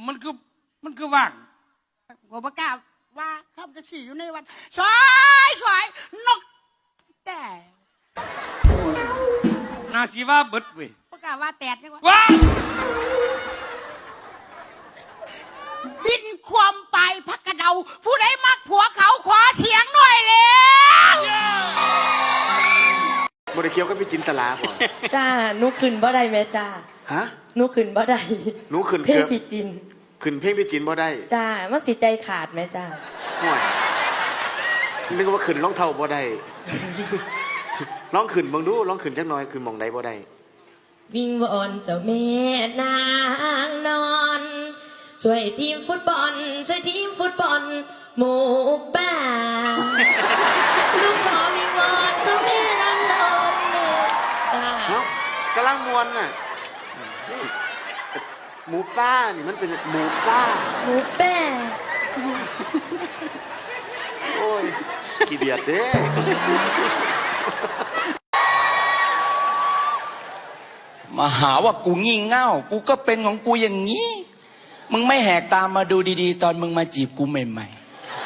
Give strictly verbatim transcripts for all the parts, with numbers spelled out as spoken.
มันคือมันคือว่างผมประกาศว่าข้ามจะขี่อยู่ในวันสวยสวยนกแต่นาชีว่าเบิดเว้ยประกาศว่าแตดจังวะว้าบินความไปพักกระเดาผู้ใดมักผัวเขาขอเสียงหน่อยแล้วบริเคียวก็พี่จินตลาบ่จ้าหนูขึ้นบ่ได้แม่จ้าฮะหนูขึ้นบ่ได้หนูขึ้นเพลงพี่จินขึ้นเพลงพี่จินบ่ได้จ้ามันสิใจขาดแม่จ้าห่วยนึกว่าขึ้นร้องเท่าบ่ได้ร้องขึ้นบังดูร้องขึ้นจักหน่อยขึ้นมองใดบ่ได้วิ่งวอนเจ้าแม่นางนอนช่วยทีมฟุตบอลช่วยทีมฟุตบอลหมู่บ้านลูกขอวิ่งวอนเจ้าแม่นางนอนจ้ากำลังมวนน่ะหมูป้านี่มันเป็นหมูป้าหมูแป้โอ้ยกี่เดียดเด้มาหาว่ากูงี่เง่ากูก็เป็นของกูอย่างนี้มึงไม่แหกตามมาดูดีๆตอนมึงมาจีบกูใหม่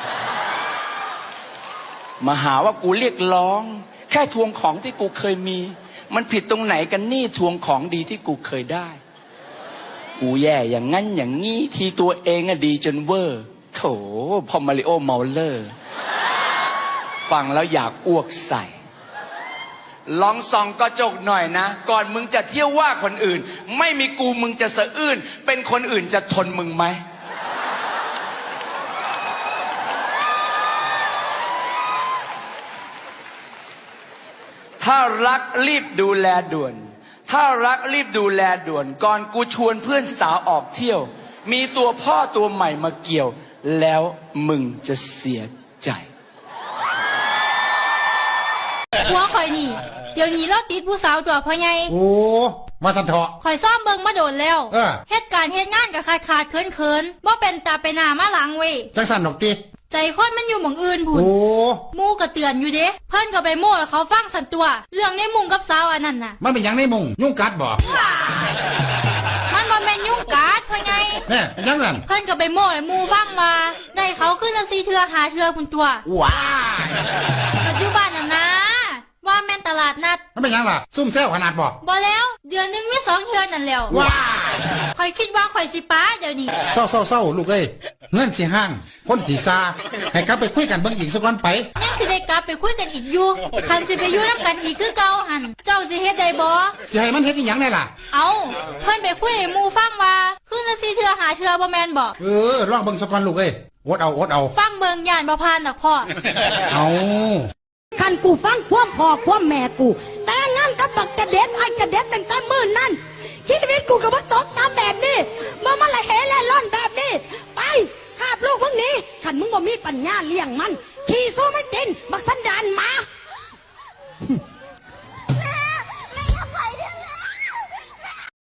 ๆมาหาว่ากูเรียกร้องแค่ทวงของที่กูเคยมีมันผิดตรงไหนกันนี่ทวงของดีที่กูเคยได้กูแย่อย่างงั้นอย่างงี้ทีตัวเองอะดีจนเวอร์โถพอมาริโอเมาเลอร์ฟังแล้วอยากอ้วกใส่ลองส่องกระจกหน่อยนะก่อนมึงจะเที่ยวว่าคนอื่นไม่มีกูมึงจะสะอื้นเป็นคนอื่นจะทนมึงไหมถ้ารักรีบดูแลด่วนถ้ารักรีบดูแลด่วนก่อนกูชวนเพื่อนสาวออกเที่ยวมีตัวพ่อตัวใหม่มาเกี่ยวแล้วมึงจะเสียใจหัวข่อยนี่เดี๋ยวนี้เราติดผู้สาวตัวพ่อใหญ่โอ้มาสันเถาะข่อยซ่อมเบิ่งมาโดนแล้วเออเหตุการณ์เหตุงานกับขาดขาดเคินเคินบ่เป็นตาไปหน้ามาหลังเว้ยจังสันดอกตีใจคนมันอยู่หม่องอื่นพุ่นโอ้มูก็เตือนอยู่เด้เพิ่นก็ไปโม่เขาฟังสันตัวเรื่องในมุงกับสาวอันนั้นน่ะมันเป็นยังในมุงยุ่งกัดบ่มันบ่แม่นยุ่งกัดพ่อใหญ่แน่เป็นยังไงเพิ่นก็ไปโม่ให้หมู่ฟังว่าได้เขาขึ้นละสี่เทื่อหาเทื่อพุ่นตัวว้าปัจจุบันน่ะนะว่าแม่นตลาดนัดมันเป็นยังล่ะซุ่มแซวขนาดบ่บ่แล้วเดือนนึงมีสองเทื่อนั่นแล้วว้าข่อยคิดว่าข่อยสิป้าเดี๋ยวนี้เศร้าเศร้าเศร้าลูกเอ้ยเงินสีห้างคนสีซาให้กลับไปคุยกันเบิ่งอีกสักวันไปยังสิได้กลับไปคุยกันอีกอยู่คันสิไปอยู่นำกันอีกคือเก่าหันเจ้าสิเฮ็ดได้บ่สิให้มันเฮ็ดอีหยังได้ล่ะเอาเพิ่นไปคุยให้หมู่ฟังว่าคืนละสี่เทื่อหาเทื่อบ่แม่นบ่เออลองเบิ่งสักวันลูกเอ้ยอดเอาอดเอาฟังเบิ่งย่านบ่ผ่านดอกพ่อเอาคันกูฟังความพ่อความแม่กูแต่งงานกับบักกระเด็ดไอ้กระเด็ดตั้งแต่มื้อนั้นชีวิตกูก็บ่ตกตามแบบนี้บ่มาละเหแล่ล่อนแบบนี้ไปคาบลูกพวกนี้คันมึงบ่มีปัญญาเลี้ยงมันขี่สู้มันกินบักสันดานหมา